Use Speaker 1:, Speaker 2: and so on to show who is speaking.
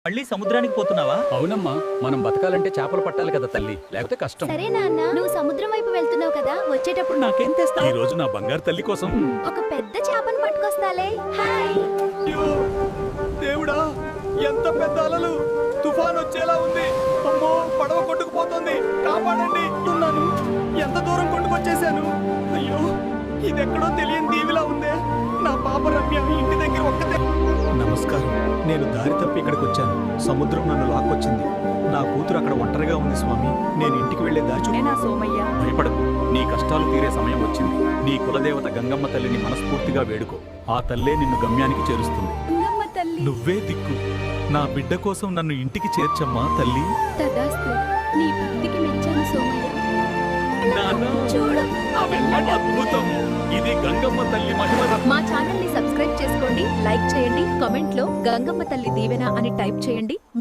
Speaker 1: మళ్ళీ సముద్రానికి పోతున్నావా?
Speaker 2: అవునమ్మా, మనం బతకాలంటే చేపలు పట్టాలి కదా తల్లి, లేకపోతే కష్టం.
Speaker 3: సరే నాన్న, నువ్వు సముద్రం వైపు వెళ్తున్నావు కదా, వచ్చేటప్పుడు
Speaker 1: నాకేం తెస్తావు?
Speaker 2: ఈ రోజు నా బంగారు తల్లి కోసం
Speaker 3: ఒక పెద్ద చేపను పట్టుకొస్తాలే. హాయ్.
Speaker 2: అయ్యో, దేవుడా, ఎంత పెద్ద అలలు! తుఫాన్ వచ్చేలా ఉంది. అమ్మో, పడవ కొట్టుకుపోతుంది. కాపాడండి. ఉన్నాను. ఎంత దూరం కొట్టుకొచ్చేసాను. అయ్యో, ఇదెక్కడో తెలియని దీవిలా ఉందే. నా పాప రమ్య ఇంటి దగ్గర ఒక్కతే.
Speaker 4: నమస్కారం. నేను దారి తప్పి ఇక్కడికి వచ్చాను. సముద్రం నన్ను లాక్కొచ్చింది. నా కూతురు అక్కడ ఒంటరిగా ఉంది స్వామి. నేను ఇంటికి వెళ్లే దారి
Speaker 5: సోమయ్య,
Speaker 2: భయపడకు, నీ కష్టాలు తీరే సమయం వచ్చింది. నీ కులదేవత గంగమ్మ తల్లిని మనస్ఫూర్తిగా వేడుకో. ఆ తల్లే నిన్ను గమ్యానికి చేరుస్తుంది.
Speaker 5: గంగమ్మ తల్లి.
Speaker 4: నువ్వే దిక్కు. నా బిడ్డ కోసం నన్ను ఇంటికి చేర్చమ్మా తల్లి.
Speaker 3: తదాస్తు. నీ భక్తికి మెచ్చాను సోమయ్య.
Speaker 2: నాన్న,
Speaker 3: చూడు.
Speaker 2: అద్భుతం! ఇది గంగమ్మ తల్లి మహిమ.
Speaker 5: మా ఛానల్ ని సబ్స్క్రైబ్ చేసుకోండి, లైక్ చేయండి, కామెంట్ లో గంగమ్మ తల్లి దీవెన అని టైప్ చేయండి.